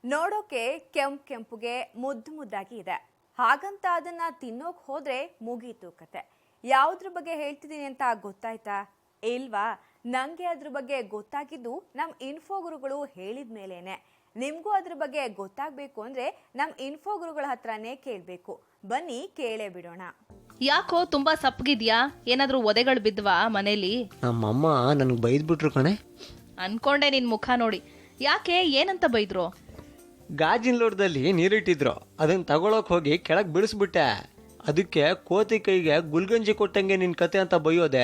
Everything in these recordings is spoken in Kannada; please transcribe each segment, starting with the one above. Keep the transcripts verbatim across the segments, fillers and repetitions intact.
ನೋಡೋಕೆ ಕೆಂಪು ಕೆಂಪುಗೆ ಮುದ್ದು ಮುದ್ದಾಗಿ ಇದೆ. ಹಾಗಂತ ಅದನ್ನ ತಿನ್ನೋಕ್ ಹೋದ್ರೆ ಮುಗೀತು ಕತೆ. ಯಾವುದ್ರ ಬಗ್ಗೆ ಹೇಳ್ತಿದ್ದೀನಿ ಅಂತ ಗೊತ್ತಾಯ್ತಾ? ಇಲ್ವಾ? ನಂಗೆ ಅದ್ರ ಬಗ್ಗೆ ಗೊತ್ತಾಗಿದ್ದು ನಮ್ಮ ಇನ್ಫೋ ಗುರುಗಳು ಹೇಳಿದ ಮೇಲೇನೆ. ನಿಮ್ಗೂ ಅದ್ರ ಬಗ್ಗೆ ಗೊತ್ತಾಗಬೇಕು ಅಂದ್ರೆ ನಮ್ಮ ಇನ್ಫೋ ಗುರುಗಳ ಹತ್ರನೇ ಕೇಳಬೇಕು. ಬನ್ನಿ ಕೇಳೇ ಬಿಡೋಣ. ಯಾಕೋ ತುಂಬಾ ಸಪ್ಪಗಿದ್ಯಾ? ಏನಾದ್ರೂ ಒದೆಗಳು ಬಿದ್ವಾ ಮನೇಲಿ? ನಮ್ಮಮ್ಮ ನನಗೆ ಬೈದ್ಬಿಟ್ರು ಕಣೆ. ಅನ್ಕೊಂಡೆ ನಿನ್ ಮುಖ ನೋಡಿ. ಯಾಕೆ? ಏನಂತ ಬೈದ್ರು? ಗಾಜಿನ ಲೋಟದಲ್ಲಿ ನೀರಿಟ್ಟಿದ್ರು, ಅದನ್ನ ತಗೊಳಕ್ ಹೋಗಿ ಕೆಳಗೆ ಬಿಡಿಸ್ಬಿಟ್ಟೆ. ಅದಕ್ಕೆ ಕೋತಿ ಕೈಗೆ ಗುಲ್ಗಂಜಿ ಕೊಟ್ಟಂಗೆ ನಿನ್ ಕತೆ ಅಂತ ಬೈಯೋದೆ.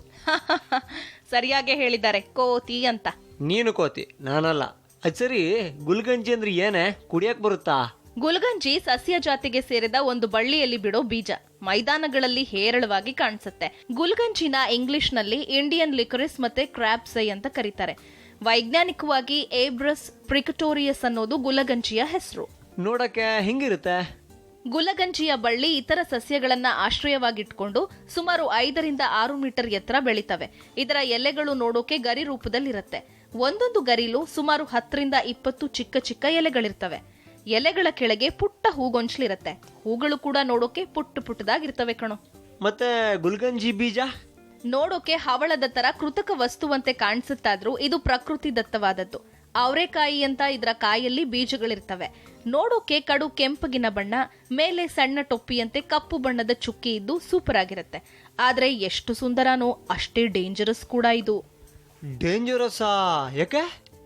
ಸರಿಯಾಗೆ ಹೇಳಿದ್ದಾರೆ, ಕೋತಿ ಅಂತ. ನೀನು ಕೋತಿ, ನಾನಲ್ಲ. ಅದ್ ಸರಿ, ಗುಲ್ಗಂಜಿ ಅಂದ್ರೆ ಏನೇ? ಕುಡಿಯಕ್ ಬರುತ್ತಾ? ಗುಲ್ಗಂಜಿ ಸಸ್ಯ ಜಾತಿಗೆ ಸೇರಿದ ಒಂದು ಬಳ್ಳಿಯಲ್ಲಿ ಬಿಡೋ ಬೀಜ. ಮೈದಾನಗಳಲ್ಲಿ ಹೇರಳವಾಗಿ ಕಾಣಿಸುತ್ತೆ. ಗುಲ್ಗಂಜಿನ ಇಂಗ್ಲಿಷ್ ನಲ್ಲಿ ಇಂಡಿಯನ್ ಲಿಕರಿಸ್ ಮತ್ತೆ ಕ್ರಾಬ್ಸೈ ಅಂತ ಕರೀತಾರೆ. ವೈಜ್ಞಾನಿಕವಾಗಿ ಏಬ್ರಸ್ ಪ್ರಿಕಟೋರಿಯಸ್ ಅನ್ನೋದು ಗುಲಗಂಜಿಯ ಹೆಸರು. ನೋಡಕ್ಕೆ ಹಿಂಗಿರುತ್ತೆ. ಗುಲಗಂಜಿಯ ಬಳ್ಳಿ ಇತರ ಸಸ್ಯಗಳನ್ನ ಆಶ್ರಯವಾಗಿಟ್ಕೊಂಡು ಸುಮಾರು ಐದರಿಂದ ಆರು ಮೀಟರ್ ಎತ್ತರ ಬೆಳಿತವೆ. ಇದರ ಎಲೆಗಳು ನೋಡೋಕೆ ಗರಿ ರೂಪದಲ್ಲಿರುತ್ತೆ. ಒಂದೊಂದು ಗರಿಲು ಸುಮಾರು ಹತ್ತರಿಂದ ಇಪ್ಪತ್ತು ಚಿಕ್ಕ ಚಿಕ್ಕ ಎಲೆಗಳಿರ್ತವೆ. ಎಲೆಗಳ ಕೆಳಗೆ ಪುಟ್ಟ ಹೂಗೊಂಚಲಿರುತ್ತೆ. ಹೂಗಳು ಕೂಡ ನೋಡೋಕೆ ಪುಟ್ಟ ಪುಟ್ಟದಾಗಿರ್ತವೆ ಕಣೋ. ಮತ್ತೆ ಗುಲ್ಗಂಜಿ ಬೀಜ ನೋಡೋಕೆ ಹವಳದ ತರ ಕೃತಕ ವಸ್ತುವಂತೆ ಕಾಣಿಸುತ್ತಾದ್ರೂ ಇದು ಪ್ರಕೃತಿ ದತ್ತವಾದದ್ದು. ಅವರೆಕಾಯಿ ಅಂತ ಇದರ ಕಾಯಲ್ಲಿ ಬೀಜಗಳಿರ್ತವೆ. ನೋಡೋಕೆ ಕಡು ಕೆಂಪಗಿನ ಬಣ್ಣ, ಮೇಲೆ ಸಣ್ಣ ಟೊಪ್ಪಿಯಂತೆ ಕಪ್ಪು ಬಣ್ಣದ ಚುಕ್ಕಿ ಇದ್ದು ಸೂಪರ್ ಆಗಿರುತ್ತೆ. ಆದ್ರೆ ಎಷ್ಟು ಸುಂದರನೋ ಅಷ್ಟೇ ಡೇಂಜರಸ್ ಕೂಡ ಇದು. ಡೇಂಜರಸ್ಸಾ? ಯಾಕೆ?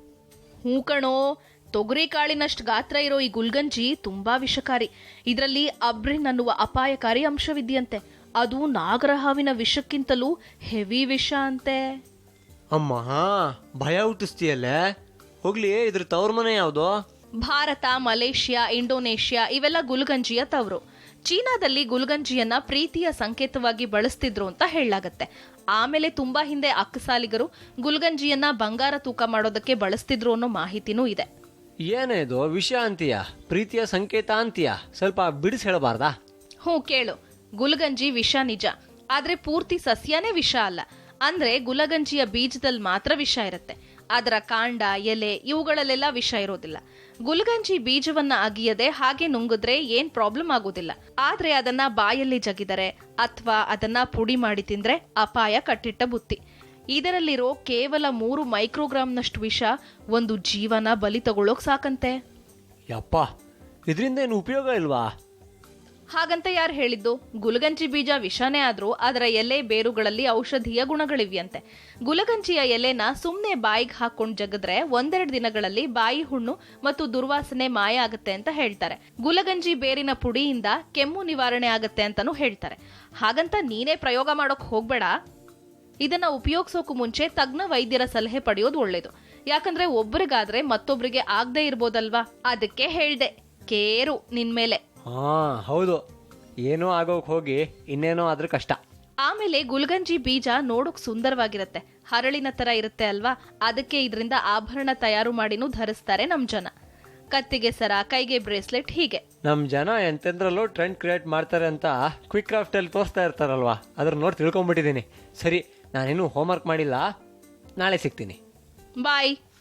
ಹೂ ಕಣೋ, ತೊಗರಿ ಕಾಳಿನಷ್ಟು ಗಾತ್ರ ಇರೋ ಈ ಗುಲ್ಗಂಜಿ ತುಂಬಾ ವಿಷಕಾರಿ. ಇದರಲ್ಲಿ ಅಬ್ರಿನ್ ಅನ್ನುವ ಅಪಾಯಕಾರಿ ಅಂಶವಿದೆಯಂತೆ. ಅದು ನಾಗರಹಾವಿನ ವಿಷಕ್ಕಿಂತಲೂ ಹೆವಿ ವಿಷ ಅಂತೆ. ಅಮ್ಮ, ಭಯ ಹುಟ್ಟಿಸ್ತೀಯಲ್ಲೇ. ಹೋಗ್ಲಿ, ಇದ್ರ ತವ್ರ ಮನೆ ಯಾವ್ದು? ಭಾರತ, ಮಲೇಷ್ಯಾ, ಇಂಡೋನೇಷ್ಯಾ ಇವೆಲ್ಲ ಗುಲ್ಗಂಜಿಯ ತವರು. ಚೀನಾದಲ್ಲಿ ಗುಲ್ಗಂಜಿಯನ್ನ ಪ್ರೀತಿಯ ಸಂಕೇತವಾಗಿ ಬಳಸ್ತಿದ್ರು ಅಂತ ಹೇಳಲಾಗತ್ತೆ. ಆಮೇಲೆ ತುಂಬಾ ಹಿಂದೆ ಅಕ್ಕಸಾಲಿಗರು ಗುಲ್ಗಂಜಿಯನ್ನ ಬಂಗಾರ ತೂಕ ಮಾಡೋದಕ್ಕೆ ಬಳಸ್ತಿದ್ರು ಅನ್ನೋ ಮಾಹಿತಿನೂ ಇದೆ. ಏನೇ ಇದು ವಿಷಯ ಅಂತೀಯ, ಪ್ರೀತಿಯ ಸಂಕೇತ ಅಂತೀಯ? ಸ್ವಲ್ಪ ಬಿಡಿಸಿ ಹೇಳಬಾರ್ದಾ? ಹ್ಞೂ ಕೇಳು. ಗುಲ್ಗಂಜಿ ವಿಷ ನಿಜ, ಆದ್ರೆ ಪೂರ್ತಿ ಸಸ್ಯನೇ ವಿಷ ಅಲ್ಲ. ಅಂದ್ರೆ ಗುಲಗಂಜಿಯ ಬೀಜದಲ್ಲಿ ಮಾತ್ರ ವಿಷ ಇರುತ್ತೆ. ಅದರ ಕಾಂಡ, ಎಲೆ ಇವುಗಳಲ್ಲೆಲ್ಲ ವಿಷ ಇರೋದಿಲ್ಲ. ಗುಲ್ಗಂಜಿ ಬೀಜವನ್ನ ಅಗಿಯದೆ ಹಾಗೆ ನುಂಗಿದ್ರೆ ಏನ್ ಪ್ರಾಬ್ಲಮ್ ಆಗೋದಿಲ್ಲ. ಆದ್ರೆ ಅದನ್ನ ಬಾಯಲ್ಲಿ ಜಗಿದರೆ ಅಥವಾ ಅದನ್ನ ಪುಡಿ ಮಾಡಿ ತಿಂದ್ರೆ ಅಪಾಯ ಕಟ್ಟಿಟ್ಟ ಬುತ್ತಿ. ಇದರಲ್ಲಿರೋ ಕೇವಲ ಮೂರು ಮೈಕ್ರೋಗ್ರಾಮ್ನಷ್ಟು ವಿಷ ಒಂದು ಜೀವನ ಬಲಿ ತಗೊಳ್ಳೋಕ್ ಸಾಕಂತೆ. ಯಪ್ಪ, ಇದರಿಂದ ಏನು ಉಪಯೋಗ ಇಲ್ವಾ? ಹಾಗಂತ ಯಾರು ಹೇಳಿದ್ದು? ಗುಲಗಂಜಿ ಬೀಜ ವಿಷಾನೇ ಆದ್ರೂ ಅದರ ಎಲೆ ಬೇರುಗಳಲ್ಲಿ ಔಷಧೀಯ ಗುಣಗಳಿವೆಯಂತೆ. ಗುಲಗಂಜಿಯ ಎಲೆನ ಸುಮ್ನೆ ಬಾಯಿಗೆ ಹಾಕೊಂಡ್ ಜಗದ್ರೆ ಒಂದೆರಡು ದಿನಗಳಲ್ಲಿ ಬಾಯಿ ಹುಣ್ಣು ಮತ್ತು ದುರ್ವಾಸನೆ ಮಾಯ ಆಗತ್ತೆ ಅಂತ ಹೇಳ್ತಾರೆ. ಗುಲಗಂಜಿ ಬೇರಿನ ಪುಡಿಯಿಂದ ಕೆಮ್ಮು ನಿವಾರಣೆ ಆಗತ್ತೆ ಅಂತಾನೂ ಹೇಳ್ತಾರೆ. ಹಾಗಂತ ನೀನೇ ಪ್ರಯೋಗ ಮಾಡೋಕ್ ಹೋಗ್ಬೇಡ. ಇದನ್ನ ಉಪಯೋಗಿಸೋಕು ಮುಂಚೆ ತಜ್ಞ ವೈದ್ಯರ ಸಲಹೆ ಪಡೆಯೋದು ಒಳ್ಳೇದು. ಯಾಕಂದ್ರೆ ಒಬ್ರಿಗಾದ್ರೆ ಮತ್ತೊಬ್ರಿಗೆ ಆಗದೆ ಇರ್ಬೋದಲ್ವಾ? ಅದಕ್ಕೆ ಹೇಳ್ದೆ, ಕೇರು ನಿನ್ಮೇಲೆ. ಹಾ ಹೌದು, ಏನೋ ಆಗೋಕ್ ಹೋಗಿ ಇನ್ನೇನೋ ಆದ್ರೆ ಕಷ್ಟ. ಆಮೇಲೆ ಗುಲ್ಗಂಜಿ ಬೀಜ ನೋಡೋಕ್ ಸುಂದರವಾಗಿರುತ್ತೆ, ಹರಳಿನ ತರ ಇರುತ್ತೆ ಅಲ್ವಾ? ಅದಕ್ಕೆ ಇದರಿಂದ ಆಭರಣ ತಯಾರು ಮಾಡಿನೂ ಧರಿಸ್ತಾರೆ ನಮ್ ಜನ. ಕತ್ತಿಗೆ ಸರ, ಕೈಗೆ ಬ್ರೇಸ್ಲೆಟ್, ಹೀಗೆ ನಮ್ ಜನ ಎಂತೆಂದ್ರಲ್ಲೂ ಟ್ರೆಂಡ್ ಕ್ರಿಯೇಟ್ ಮಾಡ್ತಾರೆ ಅಂತ ಕ್ವಿಕ್ ಕ್ರಾಫ್ಟ್ ಅಲ್ಲಿ ತೋರಿಸ್ತಾ ಇರ್ತಾರಲ್ವಾ, ಅದ್ರ ನೋಡಿ ತಿಳ್ಕೊಂಡ್ಬಿಟ್ಟಿದ್ದೀನಿ. ಸರಿ, ನಾನೇನು ಹೋಮ್ವರ್ಕ್ ಮಾಡಿಲ್ಲ, ನಾಳೆ ಸಿಗ್ತೀನಿ. ಬಾಯ್.